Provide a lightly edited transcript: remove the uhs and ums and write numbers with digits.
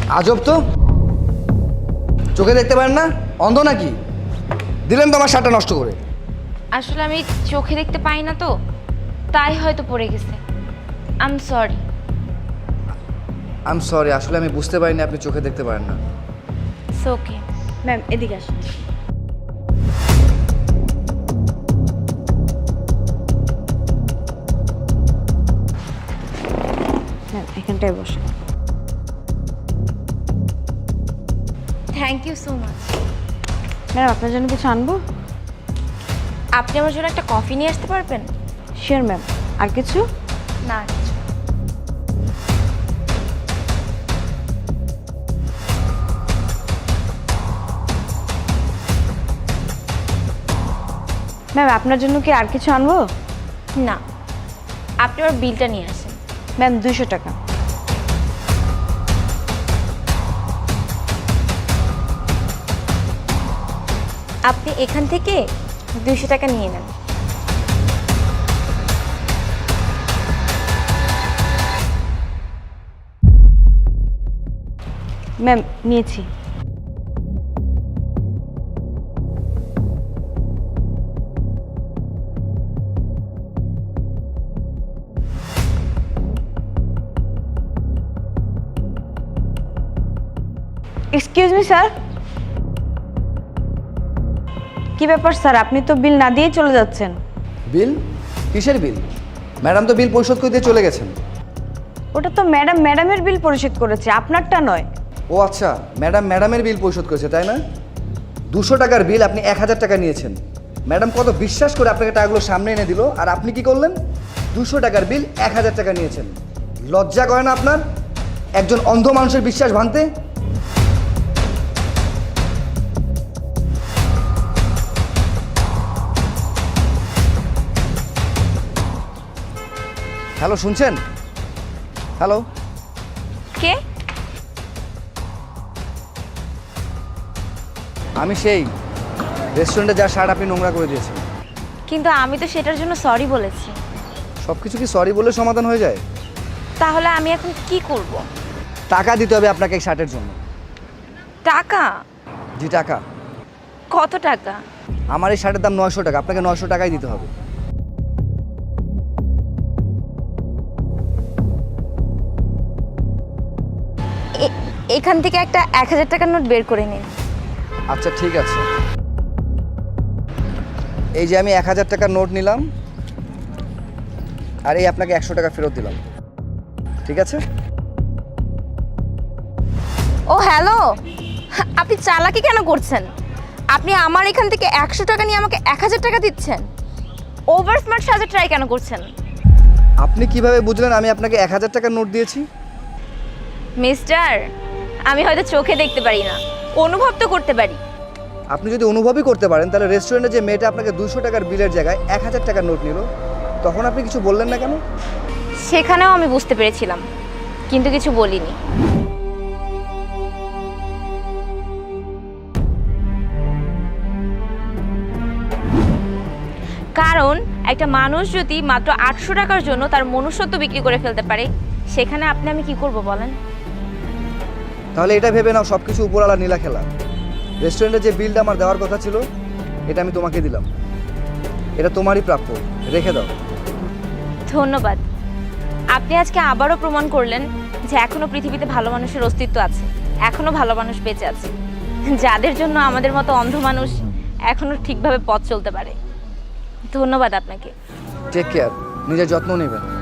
আজব তো, চোখে দেখতে পারেন না? অন্ধ নাকি? দিলেন তো আমার শার্টটা নষ্ট করে। আসলে আমি চোখে দেখতে পাই না তো, তাই হয়তো পড়ে গেছে। I am sorry. সরি, আসলে আমি বুঝতে পারিনি আপনি চোখে দেখতে পারেন না। It's okay. ম্যাম এদিকে আসুন। ম্যাম এখানটায় বসে। Thank you so much. Ma'am আপনার জন্য কিছু আনবো? আপনি আমার জন্য একটা কফি নিয়ে আসতে পারবেন? Sure ma'am. আর কিছু? না কিছু। ম্যাম আপনার জন্য কি আর কিছু আনবো? না, আপনি আমার বিলটা নিয়ে আসেন। ম্যাম 200 টাকা। আপনি এখান থেকে 200 টাকা নিয়ে নেন। ম্যাম নিয়েছি। Excuse me sir. কি ব্যাপার স্যার, আপনি তো বিল না দিয়েই চলে যাচ্ছেন? বিল? কিসের বিল? ম্যাডাম তো বিল পরিশোধ করে দিয়ে চলে গেছেন। ওটা তো ম্যাডামের বিল পরিশোধ করেছে, আপনারটা নয়। ও আচ্ছা, ম্যাডামের বিল পরিশোধ করেছে তাই না? 200 টাকার বিল আপনি 1000 টাকা নিয়েছেন। ম্যাডাম কত বিশ্বাস করে আপনাকে টাকাগুলো সামনে এনে দিল, আর আপনি কি করলেন? 200 টাকার বিল 1000 টাকা নিয়েছেন। লজ্জা করে না আপনার একজন অন্ধ মানুষের বিশ্বাস ভাঙতে? হ্যালো, শুনছেন? হ্যালো, কে? আমি সেই রেস্টুরেন্টে যার শার্ট আপনি নোংরা করে দিয়েছেন। কিন্তু আমি তো সেটার জন্য সরি বলেছি। সব কিছু কি সরি বলে সমাধান হয়ে যায়? তাহলে আমি এখন কি করব? টাকা দিতে হবে আপনাকে এই শার্টের জন্য। টাকা? জি টাকা। কত টাকা? আমার এই শার্টের দাম 900 টাকা, আপনাকে 900 টাকাই দিতে হবে। এখান থেকে একটা 1000 টাকার নোট বের করে নিন। আচ্ছা ঠিক আছে, এই যে আমি 1000 টাকার নোট নিলাম, আর এই আপনাকে 100 টাকা ফেরত দিলাম, ঠিক আছে? ও হ্যালো, আপনি চালাকি কেন করছেন? আপনি আমার এখান থেকে 100 টাকা নিয়ে আমাকে 1000 টাকা দিচ্ছেন। ওভার স্মার্ট সাজার ট্রাই কেন করছেন? আপনি কিভাবে বুঝলেন আমি আপনাকে 1000 টাকার নোট দিয়েছি? মিস্টার, আমি হয়তো চোখে দেখতে পারি না, অনুভব তো করতে পারি। আপনি যদি অনুভবই করতে পারেন, তাহলে রেস্টুরেন্টে যে মেয়েটা আপনাকে 200 টাকার বিলের জায়গায় 1000 টাকার নোট নিল, তখন আপনি কিছু বললেন না কেন? সেখানেও আমি বুঝতে পেরেছিলাম, কিন্তু কিছু বলিনি। কারণ একটা মানুষ যদি মাত্র 800 টাকার জন্য তার মনুষ্যত্ব বিক্রি করে ফেলতে পারে, সেখানে আমি কি করব বলেন? তাহলে এটা ভেবে নাও সব কিছু উপরওয়ালা নীলা খেলা। রেস্টুরেন্টে যে বিলটা আমার দেওয়ার কথা ছিল, এটা আমি তোমাকে দিলাম, এটা তোমারই প্রাপ্য, রেখে দাও। ধন্যবাদ। আপনি আজকে আবারও প্রমাণ করলেন যে এখনো পৃথিবীতে ভালো মানুষের অস্তিত্ব আছে, এখনো ভালো মানুষ বেঁচে আছে, যাদের জন্য আমাদের মতো অন্ধ মানুষ এখনো ঠিকভাবে পথ চলতে পারে। ধন্যবাদ আপনাকে। টেক কেয়ার, নিজের যত্ন নেবেন।